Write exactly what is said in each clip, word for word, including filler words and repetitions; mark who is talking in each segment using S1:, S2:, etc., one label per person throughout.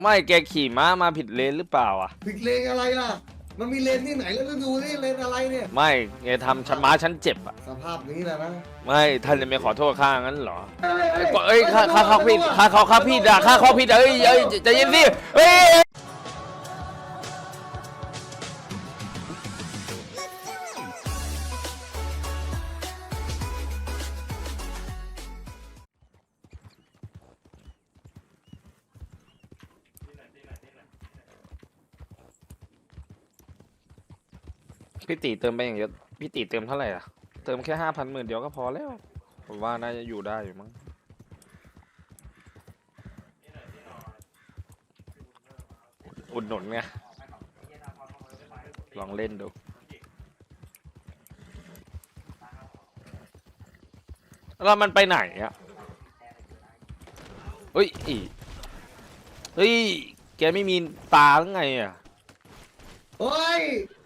S1: ไม่แกขี่ม้ามาผิดเลนหรือเปล่าอ่ะ
S2: ผิดเลนอะไรล่ะมันมีเลนที่ไหนแล้วก็ดูนี่เลนอะไรเนี่ย
S1: ไม่แกทำฉันม้าฉันเจ็บอ่ะ
S2: สภาพนี้แหละนะ
S1: ไม่ท่านจะไม่ขอโทษข้างั้นเหรอเอ้ยข้าข้าเขาผิดข้าเขาข้าผิดอ่ะข้าเขาผิดเอ้ยเอ้ยใจเย็นสิเฮ้ยพี่ตีเติมไปอย่างเยอะพี่ตีเติมเท่าไหร่อ่ะเติมแค่ห้าพันหมื่นเดียวก็พอแล้วผมว่าน่าจะอยู่ได้อยู่มั้งอุดหนุนไงลองเล่นดูแล้วมันไปไหนอ่ะเฮ้ยอีเฮ้ยแกไม่มีตาหรือไงอ่ะ
S2: เฮ้ย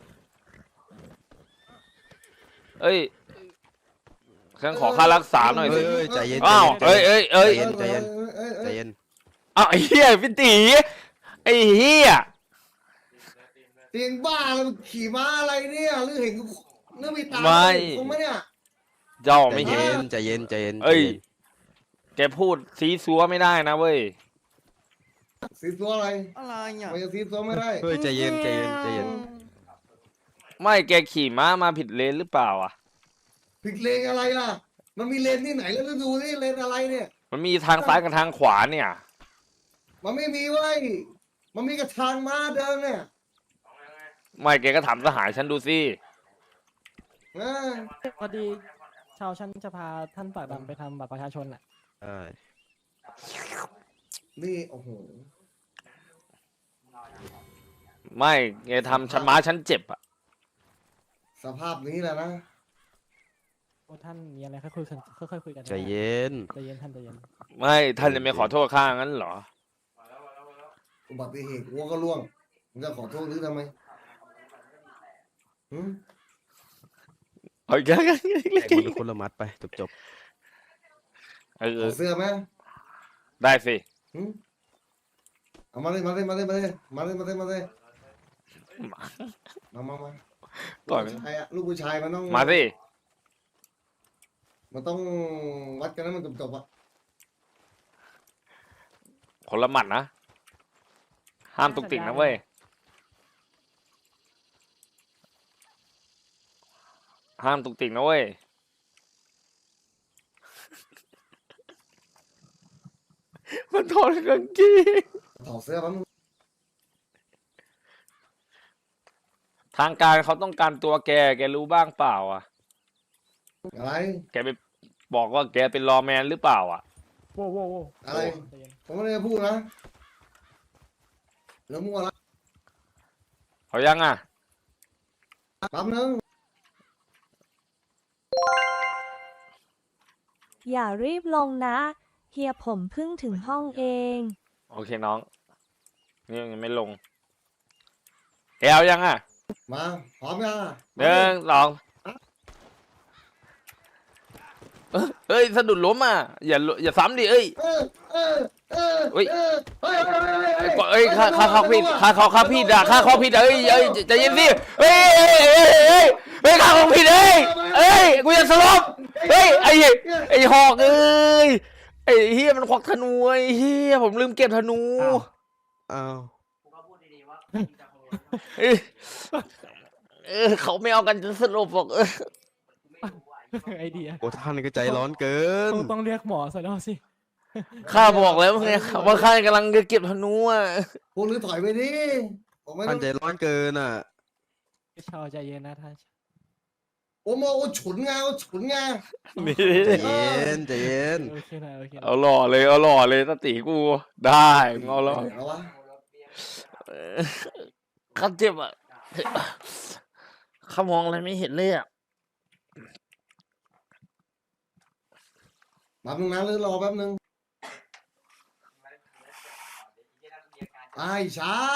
S1: เอ้ยฉันขอค่ารักษาหน่อยสิ
S3: เอ้ยใจเย็น
S1: อ้าวเอ้ยเอ้ยเอ้ย
S3: ใจเย็นใจเย็น
S2: เอ้ย
S3: ใจ
S2: เอ้ย
S3: เย็น
S1: อ้าวไอ้เหี้ยพี่ตีไอ้เหี้ย
S2: เตียงบ้าแล้วขี่ม้าอะไรเนี่ยหรือเห็นหรือมีตาคงไหมเนี่ย
S1: เจ้า
S3: ใจ
S1: ไม่เห็
S3: เย็
S1: น
S3: นใจเย็นใจเย็น
S1: เอ้ย
S3: ใจน
S1: แกพูดซีซัวไม่ได้นะเว้ย
S2: สีตัวอะไร
S3: อะไรอ่ะ
S2: ไม่จะสีตัวไม่ได้
S3: เฮ้ยใจเย็นใจเย็นใจเย็น
S1: ไม่แกขี่ม้ามาผิดเลนหรือเปล่าอ่ะ
S2: ผิดเลนอะไรล่ะมันมีเลนที่ไหนแล้วก็ดูนี่เลนอะไรเนี่ย
S1: มันมีทางซ้ายกับทางขวาเนี่ย
S2: มันไม่มีไว้ยมันมีกระทางม้าเดินเนี่ย
S1: ไม่แกก็ถามสหายฉันดูสิ
S2: นะ
S4: พอดีชาวชั้นจะพาท่านปากดำไปทำบัตรประชาชนแหละ
S3: ใช่
S2: นี่โอ้โห
S1: ไม่แกทำฉันม้าฉันเจ็บอ่ะ
S2: สภาพนี้แหละนะ
S4: โอ้ท่านมีอะไรค่อยคุยกันค่อยๆคุยกัน
S3: ใจเย็น
S4: ใจเย็นท่านใจเย็น
S1: ไม่ท่านจะไม่ขอโทษข้างั้นเหรอ
S2: อุบัติเหตุวัวก็ล่วงมึงจะขอโทษหรือทำไมหืม
S1: เอาอีกแล้ว
S3: คนละคนละมัดไปจบจบ
S1: เอ
S2: ข
S1: อ
S2: อเสื้อไหม
S1: ได้สิ
S2: หืมเอามาเลยมาเลยมาเลยมาเลยมาเลยมาเลยมาเลยมามามา
S1: ต่อย
S2: ลูกผู้ชายอะลูกผู้ชายมันต้อง
S1: มาสิ
S2: มันต้องวัดกันนะมันจบๆอะ
S1: คนละหมัดนะ ห้ามตุกติกนะเว้ย ห้ามตุกติกนะเว้ย มันถอดกางเกง
S2: ถอดเสื้อมันง
S1: ทางการเขาต้องการตัวแก แกรู้บ้างเปล่าอ่ะ
S2: อะไร
S1: แกไปบอกว่าแกเป็นรอว์แมนหรือเปล่าอ่ะ
S4: โว้โว้โว้
S2: อะไร
S4: ใจเย็น
S2: ผมไม่ได้พูดนะแล้วมั่วละ
S1: เขายังอ่ะ
S2: แป๊บนึง
S5: อย่ารีบลงนะ เฮียผมเพิ่งถึงห้องเอง
S1: โอเคน้อง นี่ยังไม่ลงแกเอายังอ่ะ
S2: มาพร้อมยังอะ
S1: หนึ่งสองเอ้ยเอ้ยสะดุดล้มอ่ะ อย่าอย่าซ้ำดิเอ้ย
S2: เออเออเออ
S1: เฮ้ย
S2: เออเฮ้ยเฮ้ยเฮ้ย
S1: เอ้
S2: เฮ้
S1: ย
S2: ย
S1: เอ้ยข้าข้าเขาผิดข้าเขาข้าผิดอ่ะข้าเขาผิดเอ้ยเอ้ยใจเย็นสิเฮ้ยเอ้ยเอ้ยเอ้ยเฮ้ยข้าเขาผิดเอ้ยเอ้ยกูจะสลบเฮ้ยไอ้ไอ้หอกเอ้ยไอ้เฮียมันควักธนูไอ้เฮียผมลืมเก็บธนู
S3: อ้าว
S1: เอ้ยเออเขาไม่เอากันจะสลบหรอกเออ
S4: ไอเดีย
S3: โอ้ท่านก็ใจร้อนเกิน
S4: ต้องต้องเรียกหมอซะแล้วสิ
S1: ข้าบอกแล้วไงว่าข้ากำลังจะเก็บธนูอ่ะ
S2: พวกหรือถอยไปดิผมไม่ต้
S3: ท่า
S2: อน ง
S3: ใจร้อนเกินอ่ะ
S4: ชาวใจเย็นนะท่าน
S2: โอ้โมโอ้ฉุนไงโอ้ฉุนไง
S1: นี่
S3: ใจเย็นใจเย็น
S4: โอเคนะโอเคนะ
S1: เอาหล่อเลยเอาหล่อเลยตาตีกูได้มึงเอาหล่อ
S2: เอาวะ
S1: เออข้าเจ็บอ่ะข้ามองอะไรไม่เห็นเลยอ่ะ
S2: แป๊บนึงนะหรือรอแป๊บนึงไอ้ช้า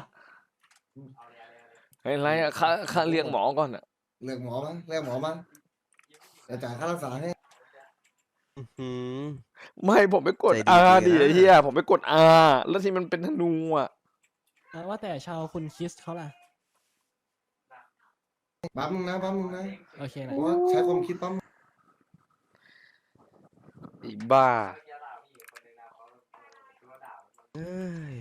S1: เฮ้ยไรอ่ะข้าข้าเรียกหมอก่อนอ่ะ
S2: เรียกหมอมาเรียกหมอมาจะจ่ายค่ารักษาให้
S3: อื้อหือ
S1: ไม่ผมไปกด
S3: ใจดี
S1: อา
S3: จริ
S1: ดิ
S3: งอะ
S1: ไอ้เฮียผมไปกดอาแล้วที่มันเป็นธนูอ่ะ
S4: อ่ะว่าแต่ชาวคุณคิสเขาล่ะ
S2: ปั๊มนึงนะปั๊มนึงนะ
S4: โอเค
S2: เพ
S4: นะ
S2: ราะว่าใช้ความคิดปั๊ม
S1: ไอ้บ้า
S3: เอ้ย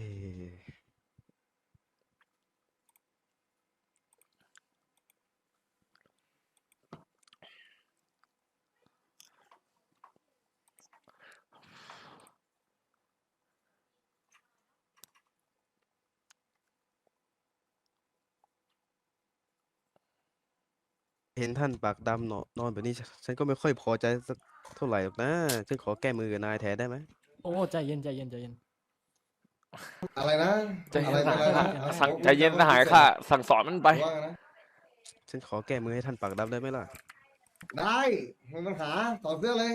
S3: เห็นท่านปากดำเนอะนอนแบบนี้ ฉันก็ไม่ค่อยพอใจสักเท่าไหร่หรอกนะ ฉันขอแก้มือกับนายแทนได้ไหม
S4: โอ้ใจเย็นใจเย็นใจเย็น
S2: อะไรนะ
S1: ใจ
S2: อะ
S1: เย็
S2: ไร
S1: น
S2: เป็นอะไร
S1: นะ
S2: นะ
S1: สั่งใจเย็นนะหายค่ะ สั่งสอนมันไป
S2: ว่าไงนะ
S3: ฉันขอแก้มือให้ท่านปากดำได้ไหมล่ะ
S2: ได้ไม่มีปัญหาต่อดเสื้อเลย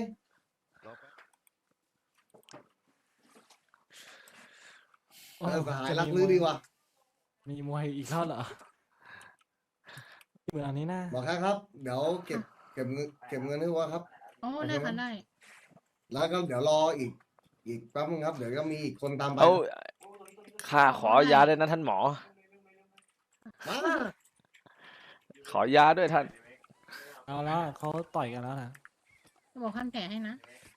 S4: โอ้
S2: เออสหาย
S4: จะ
S2: รัก
S4: มี
S2: ลือ
S4: มวย
S2: ดีว่ะ
S4: มีมวยอีกแล้วเหรอเหมือนอันนี้นะ
S2: บอกแค่ครับ เดี๋ยวเก็บเก็บเงินเก็บเงินให้ว่าครับ
S6: โอ้ได้ค่ะได้
S2: แล้วก็เดี๋ยวรออีก อีกแป๊บนึงครับ เดี๋ยวก็มีอีกคนตามไป
S1: เอาข้าขอยาด้วยนะท่านหมอ
S2: มา
S1: ขอยาด้วยท่าน
S4: เอาแล้วเขาต่อยกันแล้วนะ
S6: จะบอกขั้นแผลให้นะ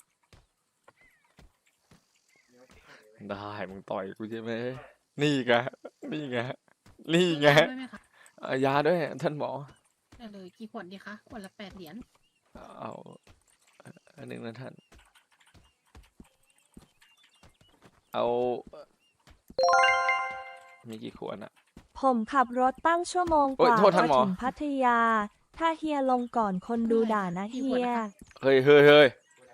S1: ได้มึงต่อยกูใช่ไหมนี่ไงนี่ไงนี่ไง
S6: ด้วยไหมคะ
S1: เอายาด้วยท่านหมอ
S6: ได้เลยกี่ขวดดีคะขวดละแปดเหรียญ
S1: เอาอันหนึ่งนะท่าน เอามีกี่ขวดอะ
S5: ผมขับรถตั้งชั่วโมง
S1: โอ๊
S5: ก
S1: ย
S5: ว่า
S1: โทษท่านหมอ
S5: ถึงพัทยา ถ้าเฮียลงก่อนคนดูด่านะเฮีย
S1: เฮ้ยเฮ้ยเฮ้ย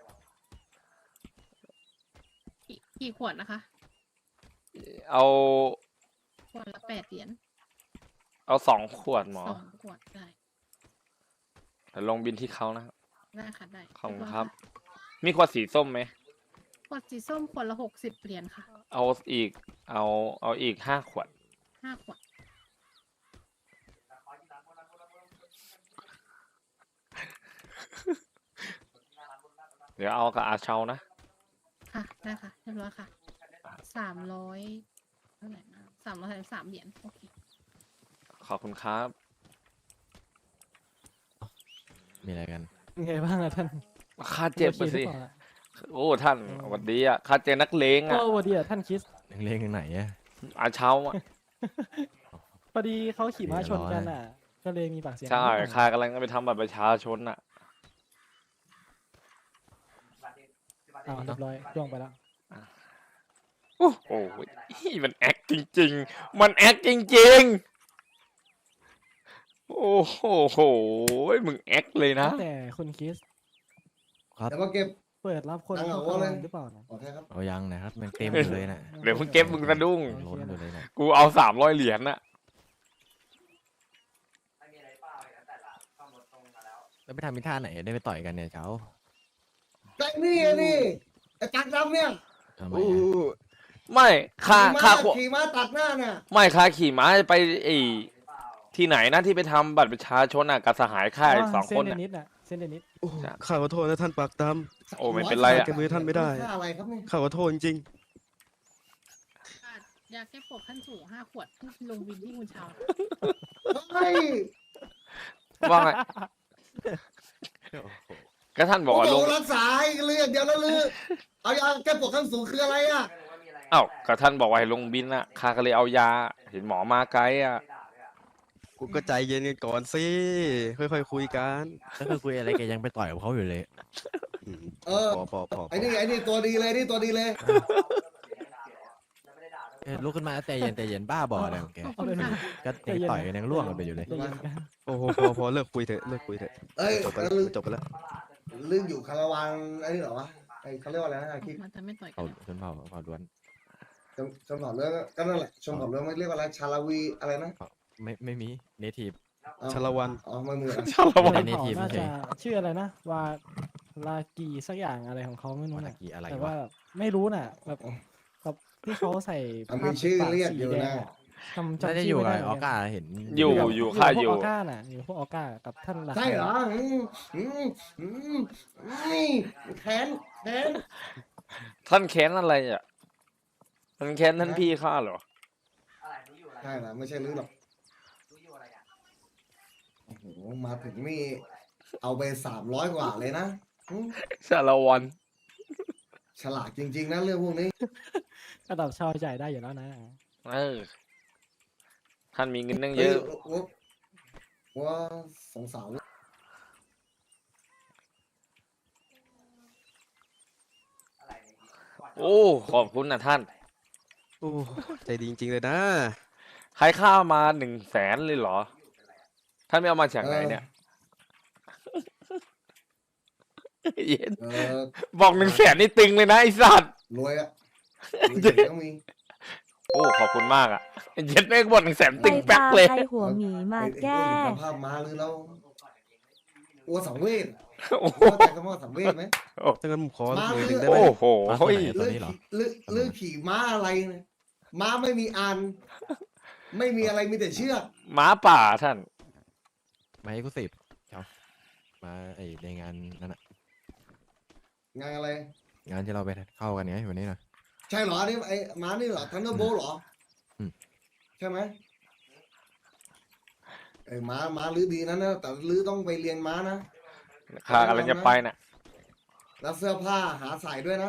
S6: กี่กี่ขวดนะคะ
S1: เอา
S6: ขวดละแปดเหรียญ
S1: เอาสองขวดหมอ
S6: สองขวดได้
S1: เดี๋ยวลงบินที่เขานะครับ
S6: ได้ค่ะได้
S1: ขอบคุณ
S6: เยย
S1: ครับ
S6: ะ
S1: มีขวดสีส้มไหม
S6: ขวดสีส้มขวดละหกสิบเหรียญค่ะ
S1: เอาอีก เอาเอาอีกห้าขวด
S6: ห้าขวด
S1: เดี๋ยวเอากับอาเชานะ
S6: ค่ะได้ค่ะเรียบร้อยค่ะสามร้อยเท่าไหร่นะสามร้อยสามเหรียญโอเค
S1: ขอบคุณครับ
S7: มีอะไรกัน
S4: ไงบ้างอะท่าน
S1: ค่าเจ็บ
S4: โอ
S1: มา
S4: คหรื
S1: สิ
S4: อเปล่าอะ
S1: โอ้ท่านสวัสดีอ่ะค่าเจ็บนักเลง
S4: โอ้
S1: อ่ะ
S4: สวัสดีอะท่านคิส
S7: นักเลงยังไหนอะ
S1: อาเชาอ่ะ
S4: พอดีเขาขี่ม้าชนกันอ่ะ ก็เลยมีปากเสียง
S1: ใช่
S4: นิดหน่อย
S1: ข้ากำลังจะไปทำบัตรประชาชนอ่ะ
S4: อ้าวเรียบร้อยล่วงไปแล้ว
S1: โอ้โหมันแอคจริง ๆ มันแอคจริง ๆ โอ้โหมึงแอคเลยนะ
S4: แต่คุณคิส
S7: ครับ
S2: เดี๋ยวมาเก็บ
S4: เปิดรับคน
S2: ตั้ง
S4: เข้า
S2: เอาไว้เลย
S4: ทำงานหรือเปล่านะ
S2: บอกแค่ครับ
S7: เอายังนะครับมันเต็มอยู่เลยน่ะ
S1: เดี๋ยวมึงเก็บมึงสะดุ้ง
S7: ล้นอยู่เลยน่ะ
S1: กูเอาสามร้อยเหรียญน่ะ
S7: แล้วไปทำมิท่าไหนได้ไปต่อยกันเนี่ยเจ้า
S2: แต่นี่ไงนี่ไอ้จักรดำเนี่ย
S7: ทำไม
S1: โอ้
S7: อะ
S1: ไม่ค่า
S2: ขี่
S1: ค่า
S2: ม้า
S1: ขว
S2: ขี่ม้าตัดหน้าเนี่ย
S1: ไม่ค่าขี่ม้าไปไอ้ที่ไหนนะที่ไปทำบัตรประชาชนอ่ะกับสหายค่ายสองคน
S4: เส้นเด
S1: อ่ะ
S4: นิสน่ะเส้นเดนิส
S3: โอ้ข้าขอโทษนะท่านปากด
S1: โอ้ไม่เป็นไร
S3: ำ
S1: อ่ะ
S3: แก้มือท่านไม่ได้
S2: ค่าอะไรครับเนี่ย
S3: ข้าขอโทษจริง
S6: อ่ะยาแก้ปวดขั้นสูงห้าขวดลงวินที่คุณเชา
S2: เฮ้ย
S1: ว่าไงก็ท่านบอก
S2: โอ้
S1: ว่าล
S2: โห
S1: ง
S2: รักษาให้เลือดเดียวแล้วลือเอายาแก้ปวดขั้นสูงคืออะไรอ่ะ
S1: เอ้าก็ท่านบอกว่าให้ลงบินอ่ะข้าก็เลยเอายา เห็นหมอมาไกลอ่ะ
S3: ๆ กูก็ใจเย็นกันก่อนสิ ค่อยๆคุยกัน
S7: แล้วก็คุยอะไรแกยังไปต่อยกับเขาอยู่เลย
S3: อืม
S2: เออ
S3: พอพอพอพ
S2: ไอ้
S3: อ
S2: นี่ไอ้นี่ตัวดีเลยนี่ตัวดีเลย
S7: เอ้ยลุกขึ้นมาใจเย็นใจเย็นบ้าบออะไรของแก
S6: ขอบคุณค่ะ
S7: ก็ยังต่อยกันยังล่วงกันไปอยู่เลย
S4: ใจเย็นกัน
S3: โอ้โหพอพอเลิกคุยเถอะเลิกคุยเถอะ
S2: เอ้ย
S3: จบไป
S2: แล้
S3: แล้ว ว
S2: ลือ
S3: จบไปแล้ว
S2: ลืออยู่คาราวานไอ้นี่เหรอวะไอ้เขาเรียกว่าอะไรนะไอ้คิด
S6: มันจะไม่ต่อยกั
S7: เขา
S6: นแล้ว
S7: ชนเผ่าเผ่าล้วน
S2: ชมชมเผ่าเรื่องก็นั่นแหละชมเผ่าเรื่องไม่เรียกว่าอะไรชาลาวีอะไรนะ
S7: ไม่ไม่มีเนทีฟ
S2: อ๋อ
S3: ชาละวัน
S2: อ๋อไม่เหมือน
S1: ชาละวัน
S7: ในใน
S4: เขา
S7: ทีม
S4: น่า
S7: เฉ
S4: จะ
S7: ย
S4: ชื่ออะไรนะวาลากีสักอย่างอะไรของเขาไม่รู้
S7: วานา
S4: น่ะ
S7: กิอะไร
S4: แต่
S7: วะ
S4: ว่าไม่รู้น่ะแบบแบบที่เขาใส่
S2: อ่ะมีชื่อเรียกอยู่
S4: สีแด
S2: นะ
S4: งอะจำ
S7: น่า
S4: จำ
S7: จะ
S4: ชื่
S7: อยู่
S4: ไม่
S7: กับ
S4: ได้
S7: ออก้าเห็น
S1: อยู่
S4: กับ
S1: อยู่ค่า
S4: พวก
S1: อยู่
S4: ออก้าน่ะอยู่พวกออก้ากับท่านหลัก
S2: ใช่เหรออืมอืมอืมนี่แค้นแค้น
S1: ท่านแค้นอะไรอ่ะท่านแค้นท่านพี่ข้าเหรอ
S2: ใช่เหรอไม่ใช่ลือหรอกโอ้โหมาถึงนี่เอาไปสามร้อยกว่าเลยนะอืม
S1: สารวัน
S2: ฉลาดจริงๆนะเรื่องพวกนี้
S4: ระดับชาวจ่ายได้อยู่แล้วนะ
S1: เออท่านมีเงินตั้งเย
S2: เฮ้ย
S1: อะ
S2: ว่าว่าสงสาร
S1: โอ้ขอบคุณนะท่าน
S3: โอ้ใจดีจริงๆเลยนะ
S1: ใครข้ามาหนึ่งแสนเลยเหรอ ท่านไม่เอามาจากไหนเนี่ยเย็น
S2: เออ
S1: บอกหนึ่งแสนนี่ตึงเลยนะไอ้สัตว์
S2: รวยอะรวยเก่งต้องมี
S1: โอ้ขอบคุณมากอ่ะเย็นแม่งบอกหนึ่งแสน
S5: ไป
S1: ตึงแป๊ก
S5: ตาม
S1: เลย
S5: ไอหัวหมีมา
S2: ไอ้
S5: แก้
S2: ไอ้พวเห็นสภาพมาหรือเราอ้วสังเวช
S1: โอ้โห
S2: เข้าใจคำว่าสังเวชไหม
S3: ถ้างั้นผมขอ
S2: มา
S3: หน่อยห
S2: เรื่
S3: นึ่
S2: อง
S3: ได้ไหม
S1: โอ้โห
S7: มาคนไหนตอนนี้เหรอ
S2: หรือหรือขี่ม้าอะไรเนี่ยม้าไม่มีอัน ไม่มีอะไรมีแต่เชือก
S1: หม้าป่าท่าน
S7: มาให้กูสิบเจ้ามาไอในงานนั่นอะ
S2: งานอะไร
S7: งานที่เราไปเข้ากันไงวันนี้นะ
S2: ใช่เหรอนี่ไอ้ม้านี่เหรอทันเดอร์โบเหรออ
S7: ม
S2: ใช่ไหมไอ้ม้าม้าลื้อดีนะนะแต่ลื้อต้องไปเรียนม้านะ
S1: ข้ากำลังจะไปน่ะ
S2: แล้วเสื้อผ้าหาใส่ด้วยนะ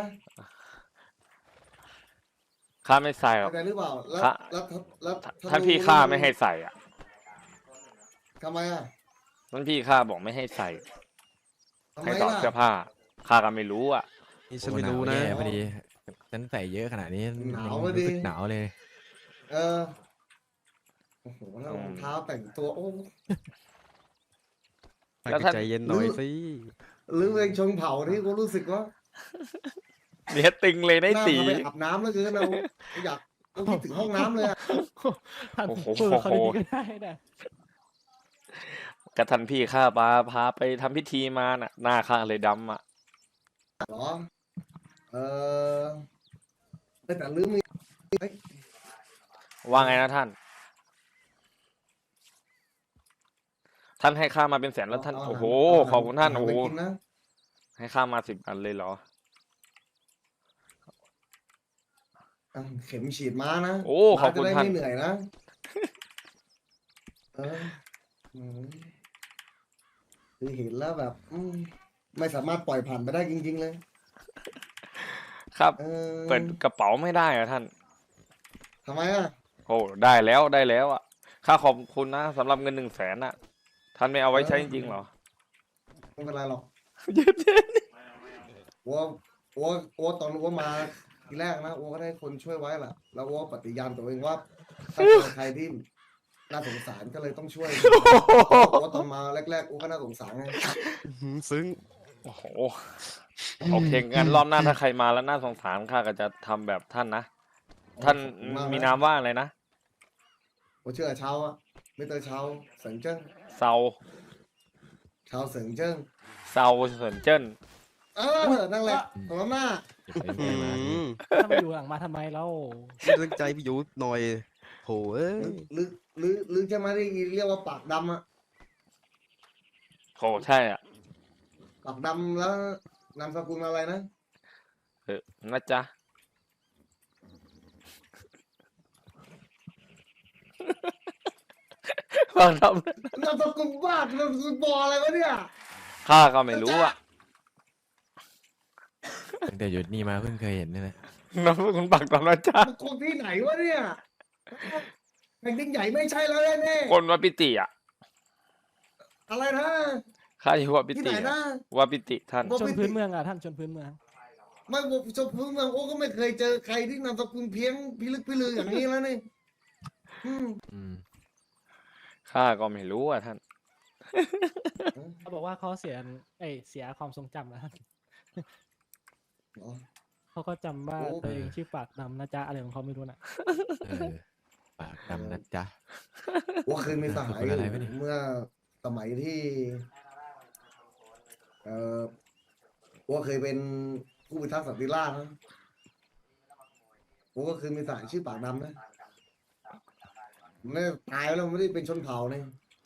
S1: ข้าไม่ใส่หรอก
S2: เข้าใจหรือเปล่าแล้ว
S1: ค่ะ
S2: แล้วแล้วแล้ว
S1: ท่านพี่ข้าไม่ให้ใส่อ่ะ
S2: ทำไมอ่ะ
S1: ท่านพี่ข้าบอกไม่ให้ใส่
S2: ทำไม
S1: ให้ถอด
S2: ล่ะ
S1: เสื้อผ้าข้าก็ไม่รู้อ่ะ
S3: นี่ฉันไม่รู้นะ
S7: โอ้หาวแย่พอดีฉันใส่เยอะขนาดนี้
S2: หนาว
S7: มั
S2: อะ
S7: น
S2: ดิ
S7: รู้สึกหนาวเลย
S2: เออโอ้โหแล้วรองเท้าแต่งตัวโอ้
S1: แล้วท่าน
S3: ใจเย็นหน่อยสิ
S2: หรือเพลงชงเผ่าที่กูรู้สึกว่า
S1: เนี่ยตึงเลยได้
S2: น่า
S1: ตี
S2: พาไปอาบน้ำแล้วคือเราอยากเราคิดถึงห้องน้ำเลยอะ
S4: ท่าน
S1: โอ้โห
S4: พูดกับเขาดีๆก็ได้นะ
S1: กับท่านพี่ข้าพาพาไปทำพิธีมาน่ะ หน้าข้าเลยดำอ่ะ
S2: เหรอเออแต่ลืมมี
S1: ว่าไงนะท่าน ท่านให้ข้ามาเป็นแสนแล้วท่าน
S2: เา
S1: โอ้โห
S2: เา
S1: ขอบคุณท่าน
S2: เ
S1: โอ้โห
S2: ไปกินนะ
S1: ให้ข้ามาสิบอันเลยเหรอ
S2: อ่ะเข็มฉีดม้านะ
S1: โอ้ขอบคุณ
S2: ม้จะได้
S1: ท่าน
S2: ไม่เหนื่อยนะเอออืมคือเห็นแล้วแบบ อืมไม่สามารถปล่อยผ่านไปได้จริง ๆ เลย
S1: ครับ
S2: เออ
S1: เปิดกระเป๋าไม่ได้อะท่าน
S2: ทำไมอ่ะ
S1: โอ้ได้แล้วได้แล้วอ่ะ ข้าขอบคุณนะสำหรับเงินหนึ่งแสนอ่ะ ท่านไม่เอาไว้ใช้จริงๆเหรอ
S2: ไม่เป็นไรหรอกอัวอัวอัวตอนอัวมาทีแรกนะอัวก็ได้คนช่วยไว้แหละแล้วอัวปฏิญาณตัวเองว่าถ้าเจอใครที่น่าสงสารก็เลยต้องช่วยอัวตอนมาแรกๆอัวก็น่าสงสารไง
S3: อื้อหือซึ้ง
S1: โอ้โห โอเคงั้นรอบหน้าถ้าใครมาแล้วน่าสงสารข้าก็จะทำแบบท่านนะ ท่าน
S2: ขอบคุณกะ
S1: มีนามว่าอะไรนะ
S2: อัวเชื่อชาวอะไม่เตอชาวเสิงเจิ้ง
S1: เซา
S2: ชาวเสิงเจิ้ง
S1: เซาเซินเจิ้น
S2: เออนั่นแหละตรงนั้นหน้า
S7: ไปไป
S3: อื้อ
S7: มา
S3: หือ
S4: ถ้ามาอยู่หลังมาทำไมเล่า
S3: ไม่ตั้งใจพี่อยู่หน่อยโหเอ้ย
S2: หรือหรือหรือจะมาได้เรียกว่าปากดำอะ
S1: โหใช่อ่ะ
S2: ปากดำแล้วนามสกุลอะไรนะ
S1: เออนะจ๊ะ ฟังท
S2: นามสกุลบ้านามสกุลบออะไรวะเนี่ย
S1: ำข้าก็ไม่รู้อ่ะ
S7: ตั้งแต่หยุดนี่มาเพิ่งเคยเห็นนี่แหละ
S1: น้องคุณปักตอนนะจ๊ะ
S2: มันคนที่ไหนวะเนี่ยแผ่นดินใหญ่ไม่ใช่แล้วแน่
S1: คนวัดปิติอ่ะ
S2: ๆอะไรนะ
S1: ข้าอยู่วัดปิ
S2: ที่
S1: ติ
S2: ไหน
S1: อะ
S2: นะ
S1: วัดปิติท่าน
S2: วัด
S4: ชนพื้นเมืองอ่ะท่านชนพื้นเมือง
S2: ไม่ผมชมพื้นเมืองโอ้ก็ไม่เคยเจอใครที่นามสกุลเพียงพิลึกพิลืออย่างนี้แล้วนี่อืม
S7: อืม
S1: ข้าก็ไม่รู้อ่ะท่าน
S4: เขาบอกว่าเขาเสียเอ้ยเสียความทรงจำแล้วท่าน
S2: อ๋อ
S4: เขาก็จำว่า
S2: โอ้
S4: ตัวเองชื่อปากดำนะจ๊ะอะไรของเขาไม่รู้น่ะ
S7: เออปากดำนะจ๊ะ
S2: ว่าเคยมีสหาย
S7: เป็นอะไรวะเนี่ย
S2: เมื่อสมัยที่ เอ่อว่าเคยเป็นผู้พิทักษ์สันติราษฎร์นะผมก็เคยมีสหายชื่อปากดำนะมันไม่ได้ตายแล้วมันไม่ได้เป็นชนเผ่าเนี่ย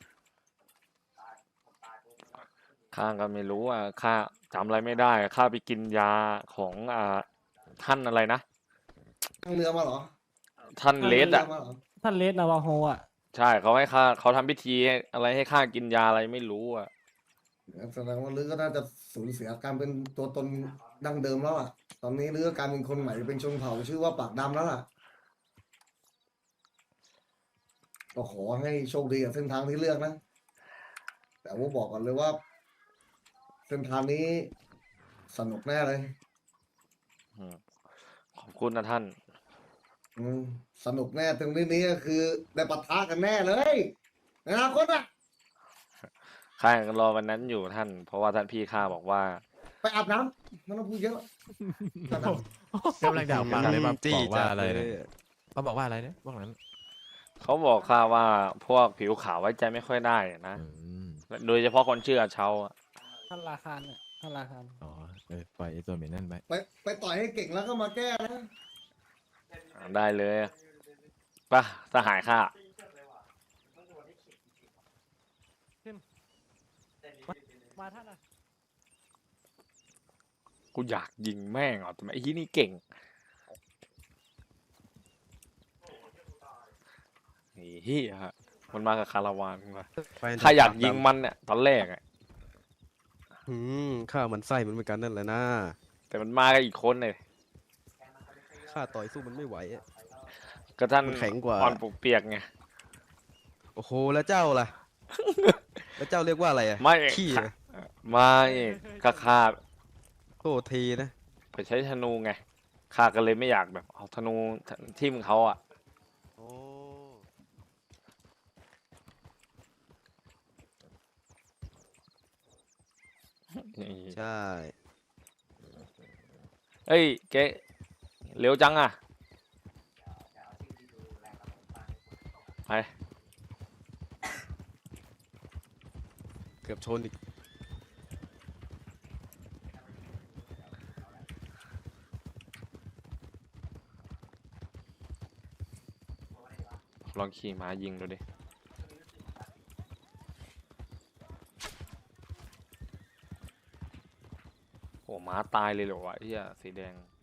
S1: ข้าก็ไม่รู้อ่ะข้าจำอะไรไม่ได้ข้าไปกินยาของอ่าท่านอะไรนะ
S2: นั่งเรือมาเหรอ
S1: ท่านเลส
S2: นั่
S1: อ่ะ
S2: งรือมาเหรอ
S4: ท่านเลสนาวาโฮอ่ะ
S1: ใช่เขาให้ข้าเขาทำพิธีให้อะไรให้ข้ากินยาอะไรไม่รู้อ่ะ
S2: แสดงว่าลือก็น่าจะสูญเสียการเป็นตัวตนดั้งเดิมแล้วอ่ะ ตอนนี้ลือก็กลารเป็นคนใหม่เป็นชนเผ่าชื่อว่าปากดำแล้วล่ะ ก็ขอให้โชคดีกับเส้นทางที่เลือกนะ แต่ว่าบอกก่อนเลยว่า เส้นทางนี้สนุกแน่เลย
S1: อืมขอบคุณนะท่าน
S2: อืมสนุกแน่ตรงนี้นี้ก็คือได้ปะทะกันแน่เลยในอนาคตอ่ะ
S1: ข้ายังรอวันนั้นอยู่ท่าน เพราะว่าท่านพี่ข้าบอกว่า
S2: ไปอาบน้ำไมันต้องพูดเยอะอาบน้ำ
S7: กำลังด่าฟังเลยมา
S3: จี้
S7: บอกว่า
S3: จัด
S7: อะไร
S3: เล
S7: นะ
S3: ย
S7: เขาบอกว่าอะไรนะพวกนั้น
S1: เขาบอกข้าว่าพวกผิวขาวไว้ใจไม่ค่อยได้นะ
S7: อืม
S1: โดยเฉพาะคนชื่ออาเชาอะ
S4: ท่านราคานอ่ะท่านราคาน
S7: อ๋อเออปล่อยไอ้ตัวเหม็นนั่นไป
S2: ไปไปต่อยให้เก่งแล้วก็มาแก้นะ
S1: ได้เลยปะสหายข้า
S4: มาท่านอ่ะ
S1: กูอยากยิงแม่งอ่ะแต่ไอ้ที่นี่เก่งไอ้เฮียฮะมันมากับคาราวานมา
S3: ไป
S1: ข้าอยาก
S3: ปด
S1: ยิง
S3: ดำ
S1: มันเนี่ยตอนแรกอะ
S3: อืมข้าวมันไส้มันเหมือนกันนั่นแหละนะ
S1: แต่มันมากับอีกคนเลย
S3: ข้าต่อยสู้มันไม่ไหวอะ
S1: ก็ท่าน
S3: มันแข็งกว่า
S1: อ่อนปวกเปียกไง
S3: โอ้โหแล้วเจ้าล่ะ แล้วเจ้าเรียกว่าอะไรอะ
S1: ไม่
S3: ขี้
S1: ค่ะ
S3: อะ
S1: ไม่ข้าข้า
S3: โทษทีนะ
S1: ไปใช้ธนูไงข้าก็เลยไม่อยากแบบเอาธนูทิ่มเขาอ่ะ
S3: โอ้ ใช่
S1: เอ้ยเก๊เร็วจังอ่ะไป
S3: เกือบชนอีก
S1: ลองขี่ม้ายิงดูดิโอ้ม้าตายเลยเหรอวะไอ้เหี้ยสีแดง